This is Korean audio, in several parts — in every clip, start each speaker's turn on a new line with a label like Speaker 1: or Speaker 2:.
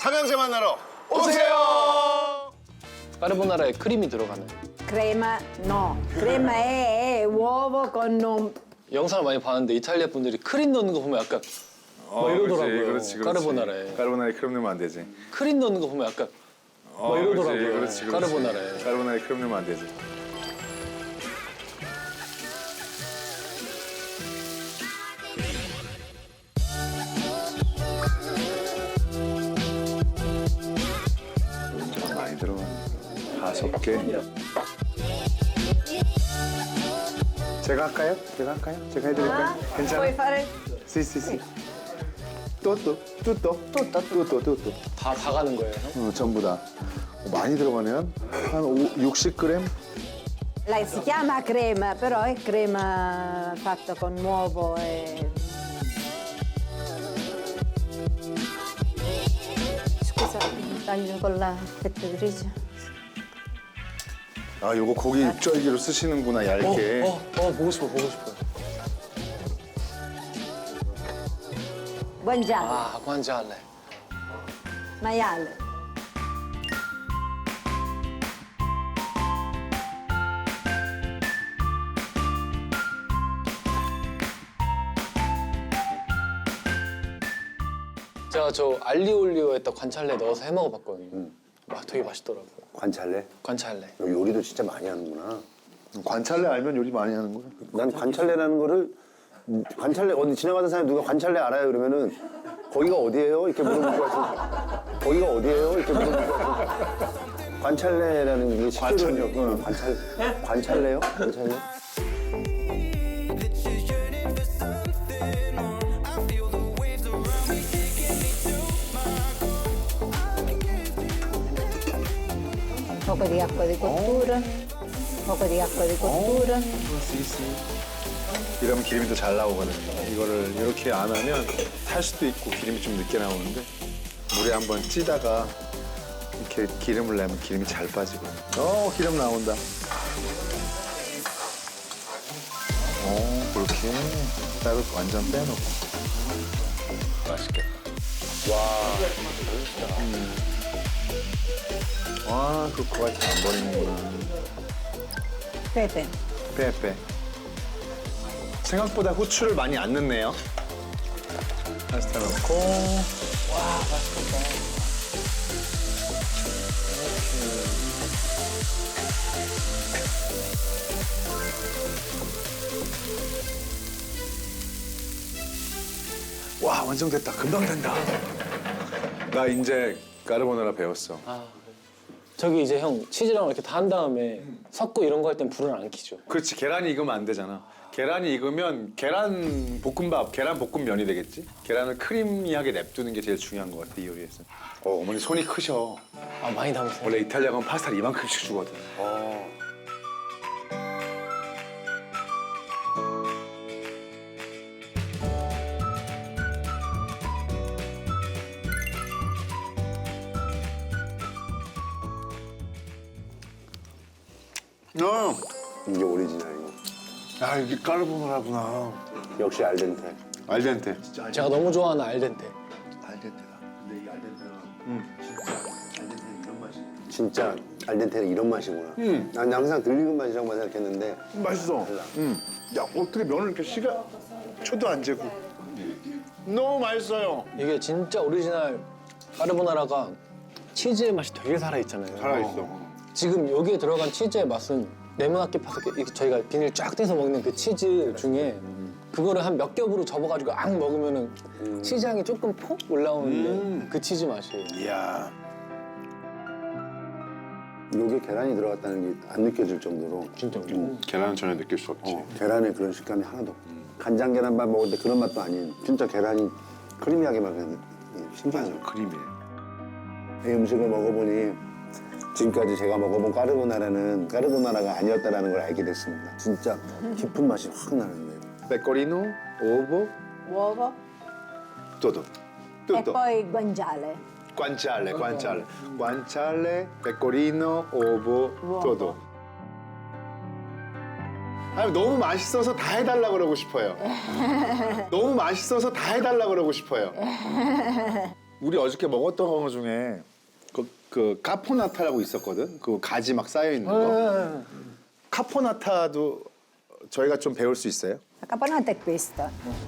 Speaker 1: 삼형제 만나러 오세요.
Speaker 2: 까르보나라에 크림이 들어가는.
Speaker 3: Crema no, crema è uovo con un...
Speaker 2: 영상을 많이 봤는데 이탈리아 분들이 크림 넣는 거 보면 약간 막 이러더라고요.
Speaker 1: 그렇지.
Speaker 2: 까르보나라에.
Speaker 1: 까르보나라에 크림 넣으면 안 되지.
Speaker 2: 크림 넣는 거 보면 약간 막 이러더라고요.
Speaker 1: 그렇지.
Speaker 2: 까르보나라에.
Speaker 1: 까르보나라에 크림 넣으면 안 되지. 많이 들어가. 5개. 제가 할까요? 제가 해드릴까요?
Speaker 3: Puoi
Speaker 1: 괜찮아요?
Speaker 3: fare...
Speaker 1: sì. tutto.
Speaker 2: 다 가는 거예요. 형?
Speaker 1: 전부 다. 많이 들어가네요. 한 60g?
Speaker 3: Si chiama crema, però è crema fatta con uovo e... Scusa, taglio con la fetta di riso.
Speaker 1: 아, 요거 고기 육절기로 쓰시는구나, 얇게.
Speaker 2: 보고 싶어.
Speaker 3: Guanciale,
Speaker 2: 아, 관자할래.
Speaker 3: maiale.
Speaker 2: 제가 저 알리올리오에다 관찰래 넣어서 해 먹어봤거든요. 와, 되게 맛있더라고요.
Speaker 4: 관찰래?
Speaker 2: 관찰래.
Speaker 4: 너 요리도 진짜 많이 하는구나.
Speaker 1: 관찰래 알면 요리 많이 하는 거야?
Speaker 4: 난 관찰래라는 거를 관찰래 어디 지나가는 사람이 누가 관찰래 알아요 그러면은 거기가 어디예요? 이렇게 물어볼 거 같은. 거기가 어디예요? 이렇게 물어볼 거 같은. 관찰래라는 게
Speaker 1: 관찰력.
Speaker 4: 관찰래요? 관찰래?
Speaker 3: Un poco di acqua di cottura, un poco di acqua di cottura.
Speaker 1: 이러면 기름이 더 잘 나오거든요. 이거를 이렇게 안 하면 탈 수도 있고 기름이 좀 늦게 나오는데 물에 한번 찌다가 이렇게 기름을 내면 기름이 잘 빠지고. 기름 나온다. 그렇게 따로 완전 빼놓고. 맛있겠다. 와, 그 코가 잘 안 버리는구나.
Speaker 3: Pepe.
Speaker 1: 빼. 생각보다 후추를 많이 안 넣네요. 파스타 넣고.
Speaker 2: 와, 맛있겠다.
Speaker 1: 와, 완성됐다. 금방 된다. 나 이제 까르보나라 배웠어.
Speaker 2: 저기 이제 형 치즈랑 이렇게 다 한 다음에 섞고 이런 거 할 땐 불을 안 켜죠.
Speaker 1: 그렇지, 계란이 익으면 안 되잖아. 계란이 익으면 계란 볶음밥, 계란 볶음면이 되겠지? 계란을 크리미하게 냅두는 게 제일 중요한 것 같아, 이 요리에서. 어머니 손이 크셔.
Speaker 2: 아, 많이 담으세요.
Speaker 1: 원래 이탈리아 가면 파스타를 이만큼씩 주거든.
Speaker 4: 이게 오리지널이고.
Speaker 1: 야, 이게 까르보나라구나.
Speaker 4: 역시 알덴테.
Speaker 1: 알덴테.
Speaker 2: 제가 너무 좋아하는 알덴테.
Speaker 4: 알덴테다. 근데 이 알덴테가 진짜 알덴테는 이런 맛이구나. 난 항상 들리는 맛이라고만 생각했는데
Speaker 1: 맛있어.
Speaker 4: 달라.
Speaker 1: 야, 어떻게 면을 이렇게 초도 안 재고. 너무 맛있어요.
Speaker 2: 이게 진짜 오리지널 까르보나라가 치즈의 맛이 되게 살아있잖아요.
Speaker 1: 살아있어.
Speaker 2: 지금 여기에 들어간 치즈의 맛은 네모나게 파서 저희가 비닐 쫙 떼서 먹는 그 치즈 중에 그거를 한 몇 겹으로 접어가지고 앙 먹으면은 치즈 향이 조금 폭 올라오는데 그 치즈 맛이에요.
Speaker 1: 이야.
Speaker 4: 요게 계란이 들어갔다는 게 안 느껴질 정도로
Speaker 2: 진짜.
Speaker 1: 계란은 전혀 느낄 수 없지.
Speaker 4: 계란의 그런 식감이 하나도 없고 간장 계란밥 먹을 때 그런 맛도 아닌 진짜 계란이 크리미하게 막 그냥 신기하죠.
Speaker 1: 크림이에요.
Speaker 4: 이 음식을 먹어보니 지금까지 제가 먹어본 까르보나라가 아니었다는 걸 알게 됐습니다. 진짜 깊은 맛이 확 나는데.
Speaker 1: 페코리노, 오보,
Speaker 3: Uovo
Speaker 1: 또도.
Speaker 3: e poi guanciale.
Speaker 1: 관찰레, 페코리노, 오보, 또도. 아니, 너무 맛있어서 다 해달라 그러고 싶어요. 너무 맛있어서 다 해달라 그러고 싶어요. 우리 어저께 먹었던 거 중에 그 카포나타라고 있었거든. 그 가지 막 쌓여 있는 거. 카포나타도 저희가 좀 배울 수 있어요?
Speaker 3: La caponata è questa.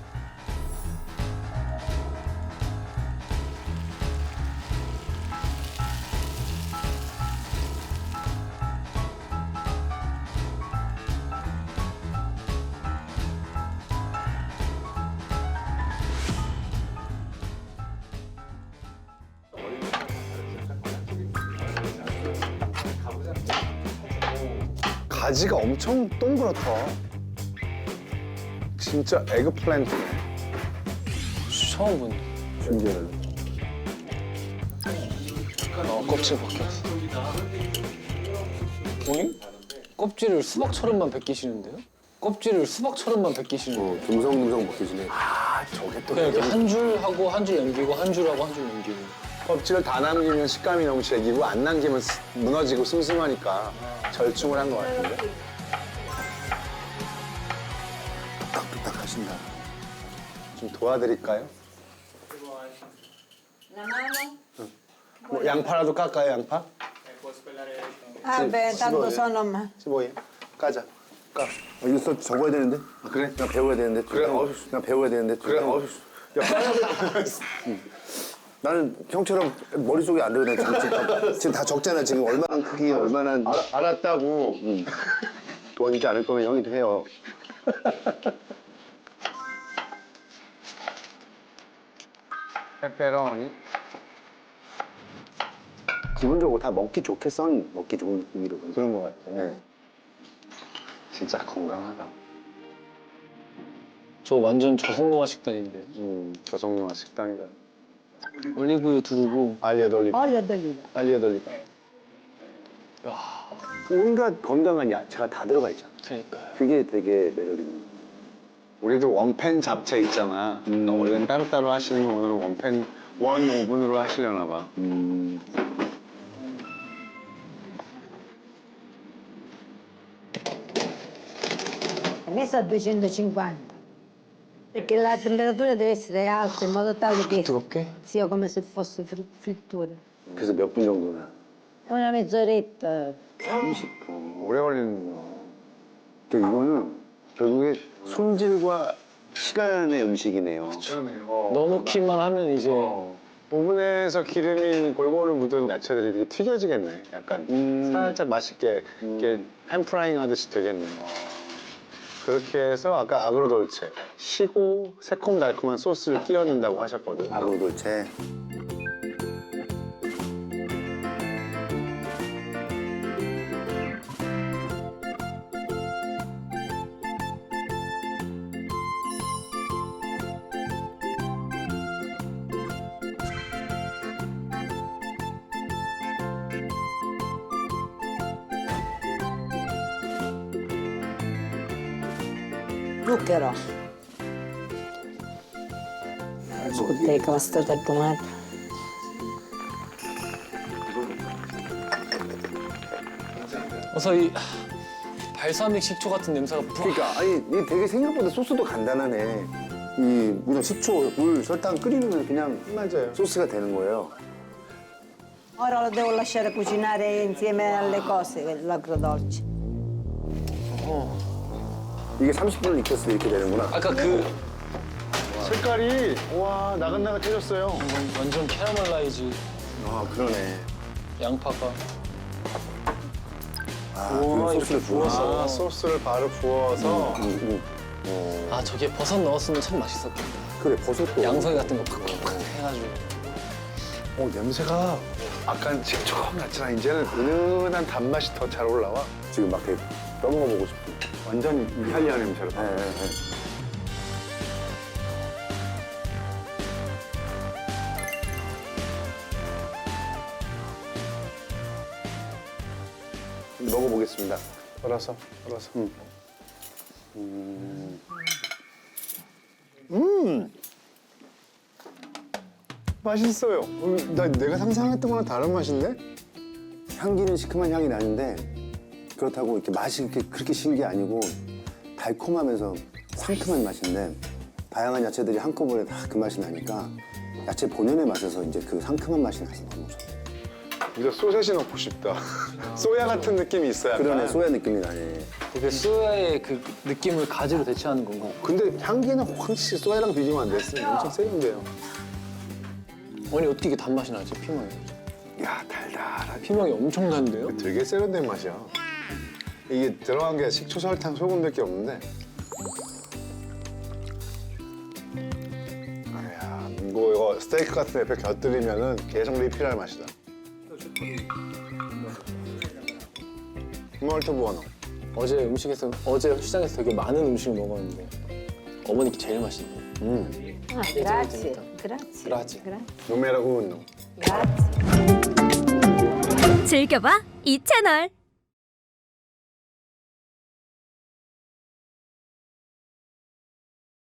Speaker 4: 가지가 엄청 동그랗다. 진짜 에그플랜트네.
Speaker 2: 처음 본다.
Speaker 4: 신기하네.
Speaker 2: 껍질 벗겼어. 오잉? 껍질을 수박처럼만 벗기시는데요? 껍질을 수박처럼만 벗기시는데요?
Speaker 4: 듬성듬성 먹히시네. 아, 저게 또
Speaker 2: 그냥 이렇게 한 줄 하고 한 줄 남기고 한 줄 하고 한 줄 남기고.
Speaker 4: 껍질을 다 남기면 식감이 너무 질기고 안 남기면 무너지고 슴슴하니까 절충을 한 것 같은데. 뚝딱뚝딱 하신다. 좀 도와드릴까요?
Speaker 3: La mano?
Speaker 4: 뭐 양파라도 깎아요, 양파?
Speaker 3: Ah, beh, tanto sono... ma-
Speaker 4: 뭐예요? 까자. 까. 이거 써 적어야 되는데? 아, 그래? 나 배워야 되는데. 그래? 나 배워야 되는데. 그래? 야, 나는 형처럼 머릿속에 안 들어오네. 지금 다 적잖아. 지금 얼마나 크기, 얼마나. 알았다고. 도와주지 않을 거면 형이 해요. 페페로니. 기본적으로 다 먹기 좋게 썬 먹기 좋은 고기로 그런 것 같아. 네. 진짜 건강하다.
Speaker 2: 저 완전 저속노화 식단인데.
Speaker 4: 저속노화 식당이다.
Speaker 2: 올리브유 두르고.
Speaker 4: 알리에돌리브.
Speaker 3: Olio d'oliva.
Speaker 4: 알리에돌리브. 온갖 건강한 야채가 다 들어가 있잖아.
Speaker 2: 그러니까요.
Speaker 4: 그게 되게 매력있는.
Speaker 5: 우리도 원팬 잡채 있잖아. 우리는 따로따로 하시는 거 오늘은 원팬 원 오븐으로 하시려나 봐.
Speaker 3: Messa a 250. Perché la temperatura deve essere alta in modo tale che
Speaker 2: 뜨겁게?
Speaker 3: sia come se fosse frittura.
Speaker 4: 그래서 몇 분 정도나?
Speaker 3: Una mezz'oretta.
Speaker 4: 30분.
Speaker 5: 오래 걸리는 거.
Speaker 4: 근데 이거는 결국에 손질과 시간의 음식이네요.
Speaker 2: 넣어놓기만 하면 이제
Speaker 5: 오븐에서 기름이 골고루 묻은 야채들이 되게 튀겨지겠네. 약간 살짝 맛있게 이렇게 햄프라잉 하듯이 되겠네. 그렇게 해서 아까 아그로돌체 시고 새콤달콤한 소스를 끼워 넣는다고 하셨거든.
Speaker 4: 아그로돌체.
Speaker 3: Zucchero. Tutte coste del tomato.
Speaker 2: 어서 이 발사믹 식초 같은 냄새가 푹.
Speaker 4: 그러니까 아니 이게 되게 생각보다 소스도 간단하네. 이 그냥 식초, 물, 설탕 끓이는 건 그냥
Speaker 5: 맞아요.
Speaker 4: 소스가 되는 거예요.
Speaker 3: Ora lo devo lasciare cucinare insieme alle cose, l'agrodolce.
Speaker 4: 이게 30분을 익혔을 때 이렇게 되는구나.
Speaker 2: 아까 그
Speaker 4: 색깔이 와 나긋나긋해졌어요.
Speaker 2: 완전 캐러멜라이즈
Speaker 4: 아 그러네.
Speaker 2: 양파가.
Speaker 4: 아 그 소스를 부어서.
Speaker 5: 아, 소스를 바로 부어서
Speaker 2: 아 저게 버섯 넣었으면 참 맛있었겠다.
Speaker 4: 그래 버섯도.
Speaker 2: 양송이 같은 거 팍팍팍 해가지고.
Speaker 5: 냄새가 아까는 식초가 났잖아. 이제는 은은한 단맛이 더 잘 올라와.
Speaker 4: 지금 막 이렇게 떠먹어 보고 싶은.
Speaker 5: 완전 이탈리아 냄새로.
Speaker 4: 네, 네, 네. 먹어보겠습니다.
Speaker 5: 썰어서. 맛있어요. 내가 상상했던 거랑 다른 맛인데?
Speaker 4: 향기는 시큼한 향이 나는데 그렇다고 이렇게 맛이 그렇게 신 게 아니고 달콤하면서 상큼한 맛인데 다양한 야채들이 한꺼번에 다 그 맛이 나니까 야채 본연의 맛에서 이제 그 상큼한 맛이 나서 너무 좋아.
Speaker 5: 이거 소세지 넣고 싶다. 소야 같은 느낌이 있어요. 약간.
Speaker 4: 그러네, 소야 느낌이 나네.
Speaker 2: 그 소야의 그 느낌을 가지로 대체하는 거고.
Speaker 5: 근데 향기는 확실히 소야랑 비교가 안 됐어요. 엄청 세는데요.
Speaker 2: 아니 어떻게 이게 단맛이 나지 피망이?
Speaker 5: 야, 달달하게.
Speaker 2: 피망이 엄청 단데요?
Speaker 5: 되게 세련된 맛이야. 이게 들어간 게 식초, 설탕, 소금밖에 없는데. 아야, 이거 스테이크 같은 옆에 곁들이면은 계속 리필할 맛이다. molto buono.
Speaker 2: 어제 시장에서 되게 많은 음식을 먹었는데 어머니께 제일 맛있네.
Speaker 3: Ah, grazie, grazie.
Speaker 2: Grazie.
Speaker 5: Numero uno.
Speaker 3: Grazie.
Speaker 6: 즐겨봐 이 채널.